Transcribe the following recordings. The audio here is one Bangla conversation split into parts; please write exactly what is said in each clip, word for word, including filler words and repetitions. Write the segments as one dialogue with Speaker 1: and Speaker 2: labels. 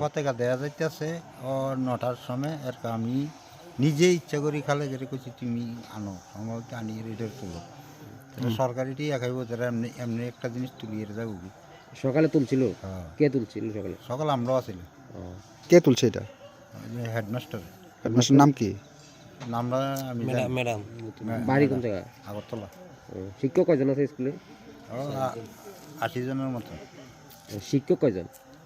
Speaker 1: পতাকা দেওয়া যাইতেছে ও নটার সময় আর আমি নিজে ইচ্ছা করি খালে যেটা করছি তুমি আনো সম্ভবত আনি রেডের তুলো সরকারিটি একাইব তারা এমনি এমনি একটা জিনিস তুলিয়ে যাবো
Speaker 2: সকালে তুলছিল
Speaker 1: হ্যাঁ
Speaker 2: কে তুলছিল সকালে
Speaker 1: সকাল আমরাও আছিলাম
Speaker 3: কে তুলছে এটা?
Speaker 1: হেডমাস্টার
Speaker 3: হেডমাস্টার নাম কি?
Speaker 1: নামটা আমি ম্যাডাম
Speaker 2: বাড়ি কোন জায়গা?
Speaker 1: আগরতলা।
Speaker 2: ও, শিক্ষক কয়জন আছে স্কুলে?
Speaker 1: ও আ- আশি জনের মতো
Speaker 2: ও, শিক্ষক কয়জন?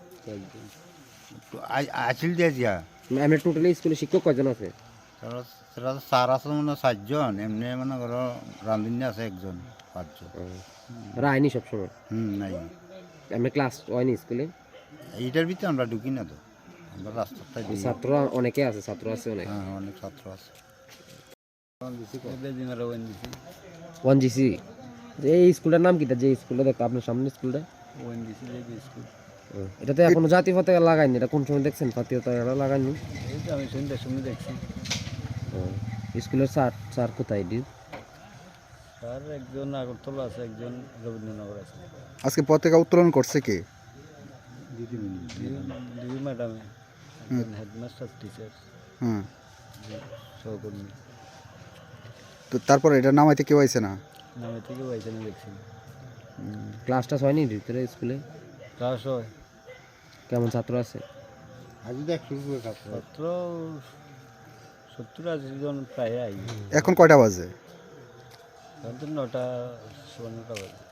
Speaker 1: আসিল দিয়ে যা
Speaker 2: আমরা টোটালি স্কুলে শিক্ষক কয়জন আছে?
Speaker 1: তারা সেটা তো স্যার আছে মানে চারজন এমনি মানে ধরো রাঁধুনি আছে একজন পাঁচজন
Speaker 2: ও, ওরা আইনি সবসময়
Speaker 1: হুম নাই
Speaker 2: আমরা ক্লাস হয়নি স্কুলে?
Speaker 1: এইটার ভিতরে আমরা ঢুকি না তো আমরা রাস্তাটাই দিই।
Speaker 2: ছাত্র অনেকে আছে, ছাত্র আছে অনেক।
Speaker 1: হ্যাঁ অনেক ছাত্র আছে।
Speaker 2: ওয়ান জিসি এই স্কুলটার নাম কিটা? যে স্কুলটা দেখো আপনার সামনে স্কুলটা, ও, এটা তো এখনো জাতীয় পতাকা লাগায়নি। এটা কোন সময় দেখছেন জাতীয় পতাকা লাগায়নি?
Speaker 1: আমি সন্ধ্যার সময় দেখছি
Speaker 2: ও, স্কুলের স্যার স্যার কোথায় এটি?
Speaker 1: স্যার একজন আগরতলা আছে একজন রবীন্দ্রনগর আছে।
Speaker 3: আজকে পতাকা উত্তোলন করছে কে?
Speaker 1: দুই ম্যাডামে হেডমাস্টার টিচার
Speaker 3: হ্যাঁ,
Speaker 1: সহকর্মী
Speaker 3: তো তারপর এটা নামাইতে কেউ আইছে না?
Speaker 1: নামে থেকে পাইছে আমি দেখছি
Speaker 2: ক্লাসটা হয়নি ভিতরে স্কুলে?
Speaker 1: ক্লাস হয়
Speaker 2: কেমন ছাত্র আছে?
Speaker 1: আজ দেখ শুরু করে ছাত্র সত্তর আশি জন প্রায় আই
Speaker 3: এখন কয়টা বাজে?
Speaker 1: নটা সোয়া নটা বাজে।